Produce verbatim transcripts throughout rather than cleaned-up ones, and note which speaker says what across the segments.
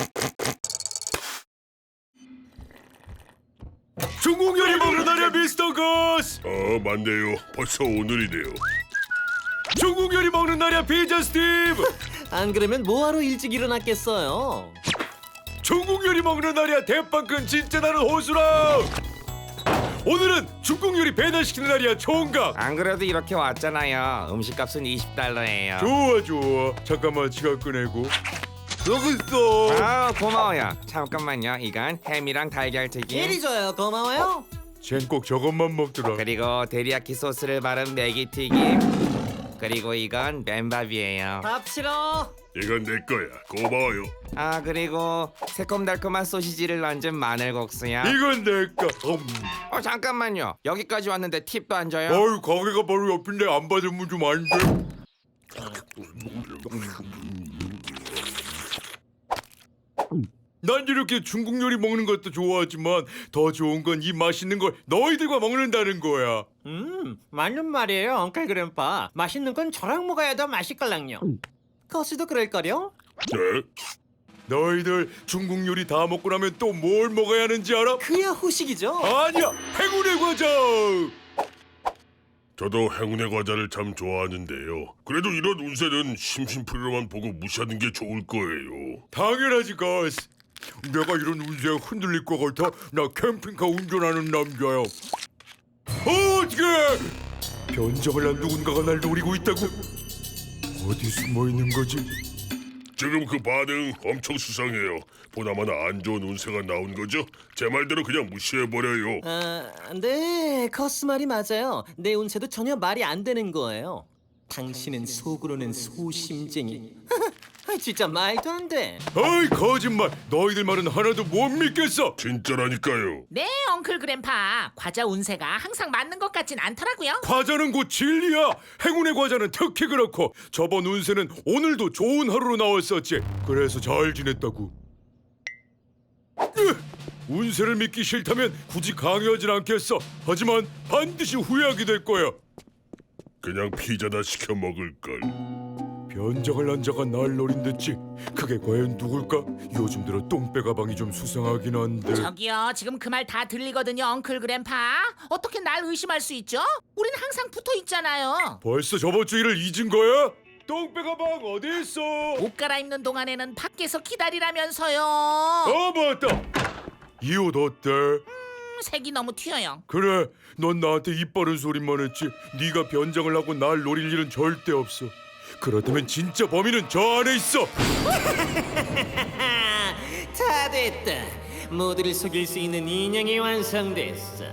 Speaker 1: 중국 요리 먹는 날이야, 미스터 거스.
Speaker 2: 아, 맞네요. 벌써 오늘이네요.
Speaker 1: 중국 요리 먹는 날이야, 피자 스티브.
Speaker 3: 안 그러면 뭐하러 일찍 일어났겠어요?
Speaker 1: 중국 요리 먹는 날이야, 대빵큰 진짜 나는 호수랑. 오늘은 중국 요리 배달시키는 날이야, 총각.
Speaker 4: 안 그래도 이렇게 왔잖아요. 음식값은 이십 달러예요.
Speaker 1: 좋아 좋아. 잠깐만 지갑 꺼내고. 여기 있어.
Speaker 4: 아, 고마워요. 잠깐만요. 이건 햄이랑 달걀튀김.
Speaker 3: 이리 줘요. 고마워요.
Speaker 1: 쟨 꼭 저것만 먹더라.
Speaker 4: 그리고 데리야끼 소스를 바른 메기튀김. 그리고 이건 맨밥이에요.
Speaker 3: 밥 싫어.
Speaker 2: 이건 내 거야. 고마워요.
Speaker 4: 아, 그리고 새콤달콤한 소시지를 얹은 마늘국수요.
Speaker 1: 이건 내꺼. 음.
Speaker 4: 어, 잠깐만요. 여기까지 왔는데 팁도 안 줘요?
Speaker 1: 어이, 가게가 바로 옆인데 안 받으면 좀 안 돼. 난 이렇게 중국 요리 먹는 것도 좋아하지만 더 좋은 건 이 맛있는 걸 너희들과 먹는다는 거야.
Speaker 3: 음, 맞는 말이에요, 엉클 그램파. 맛있는 건 저랑 먹어야 더 맛있걸랑요. 거스도 그럴걸요?
Speaker 2: 네?
Speaker 1: 너희들 중국 요리 다 먹고 나면 또 뭘 먹어야 하는지 알아?
Speaker 3: 그야 후식이죠.
Speaker 1: 아니야, 행운의 과자.
Speaker 2: 저도 행운의 과자를 참 좋아하는데요. 그래도 이런 운세는 심심풀이로만 보고 무시하는 게 좋을 거예요.
Speaker 1: 당연하지, 거스. 내가 이런 운세에 흔들릴 것 같아? 나 캠핑카 운전하는 남자야. 어, 어떻게? 변장을 한 누군가가 날 노리고 있다고? 어디 숨어 있는 거지?
Speaker 2: 지금 그 반응 엄청 수상해요. 보나마나 안 좋은 운세가 나온 거죠? 제 말대로 그냥 무시해버려요.
Speaker 3: 아, 네, 거스 말이 맞아요. 내 운세도 전혀 말이 안 되는 거예요. 당신은 속으로는 소심쟁이. 아, 진짜 말도 안 돼.
Speaker 1: 어이, 거짓말. 너희들 말은 하나도 못 믿겠어.
Speaker 2: 진짜라니까요.
Speaker 5: 네, 엉클 그램파. 과자 운세가 항상 맞는 것 같진 않더라고요.
Speaker 1: 과자는 곧 진리야. 행운의 과자는 특히 그렇고 저번 운세는 오늘도 좋은 하루로 나왔었지. 그래서 잘 지냈다고. 으! 운세를 믿기 싫다면 굳이 강요하진 않겠어. 하지만 반드시 후회하게 될 거야.
Speaker 2: 그냥 피자나 시켜 먹을걸.
Speaker 1: 변장을 한 자가 날 노린댔지. 그게 과연 누굴까? 요즘 들어 똥배 가방이 좀 수상하긴 한데.
Speaker 5: 저기요, 지금 그 말 다 들리거든요, 엉클 그램파. 어떻게 날 의심할 수 있죠? 우린 항상 붙어 있잖아요.
Speaker 1: 벌써 저번 주 일을 잊은 거야? 똥배 가방 어디 있어?
Speaker 5: 옷 갈아입는 동안에는 밖에서 기다리라면서요.
Speaker 1: 아, 맞다. 이 옷 어때?
Speaker 5: 음, 색이 너무 튀어요.
Speaker 1: 그래, 넌 나한테 입 바른 소리만 했지. 네가 변장을 하고 날 노릴 일은 절대 없어. 그렇다면 진짜 범인은 저 안에 있어.
Speaker 3: 다 됐다. 모두를 속일 수 있는 인형이 완성됐어.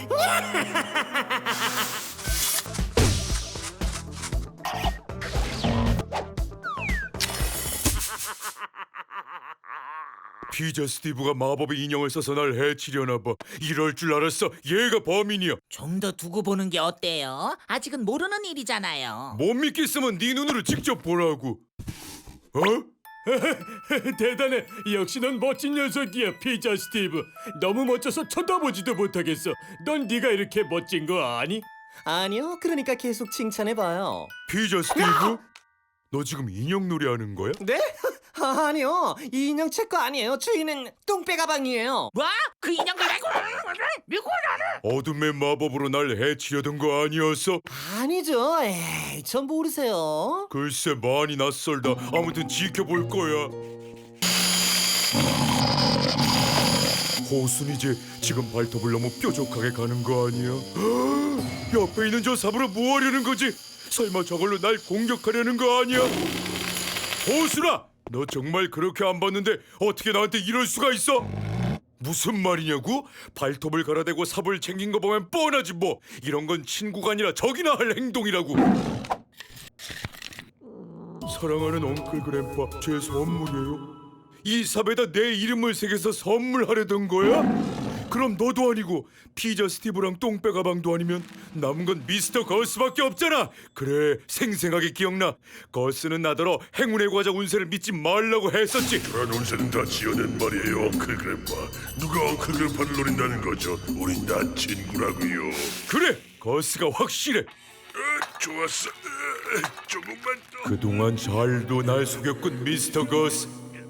Speaker 1: 피자 스티브가 마법의 인형을 써서 날 해치려나 봐. 이럴 줄 알았어. 얘가 범인이야.
Speaker 5: 좀 더 두고 보는 게 어때요? 아직은 모르는 일이잖아요.
Speaker 1: 못 믿겠으면 네 눈으로 직접 보라고. 어?
Speaker 6: 대단해. 역시 넌 멋진 녀석이야, 피자 스티브. 너무 멋져서 쳐다보지도 못하겠어. 넌 네가 이렇게 멋진 거 아니?
Speaker 3: 아니요, 그러니까 계속 칭찬해봐요.
Speaker 1: 피자 스티브? 너 지금 인형 놀이 하는 거야?
Speaker 3: 네? 아, 아니요, 이 인형 제 거 아니에요. 주인은 똥배 가방이에요.
Speaker 5: 뭐? 그 인형을 내고 밀고 나는?
Speaker 1: 어둠의 마법으로 날 해치려던 거 아니었어?
Speaker 3: 아니죠. 에이, 전 모르세요.
Speaker 1: 글쎄, 많이 낯설다. 아무튼 지켜볼 거야. 호순 이제 지금 발톱을 너무 뾰족하게 가는 거 아니야? 옆에 있는 저 삽으로 뭐 하려는 거지? 설마 저걸로 날 공격하려는 거 아니야? 호순아! 너 정말 그렇게 안 봤는데 어떻게 나한테 이럴 수가 있어? 무슨 말이냐고? 발톱을 갈아대고 삽을 챙긴 거 보면 뻔하지 뭐. 이런 건 친구가 아니라 적이나 할 행동이라고. 사랑하는 엉클 그램파, 제 선물이에요. 이 삽에다 내 이름을 새겨서 선물하려던 거야? 그럼 너도 아니고 피자 스티브랑 똥배 가방도 아니면 남은 건 미스터 거스밖에 없잖아. 그래, 생생하게 기억나. 거스는 나더러 행운의 과자 운세를 믿지 말라고 했었지.
Speaker 2: 그런 운세는 다 지어낸 말이에요, 엉클 그램파. 누가 엉클 그램파를 노린다는 거죠? 우린 다 친구라고요.
Speaker 1: 그래, 거스가 확실해.
Speaker 2: 어, 좋았어. 어, 조금만 더.
Speaker 1: 그동안 잘도 날 속였군, 미스터 거스.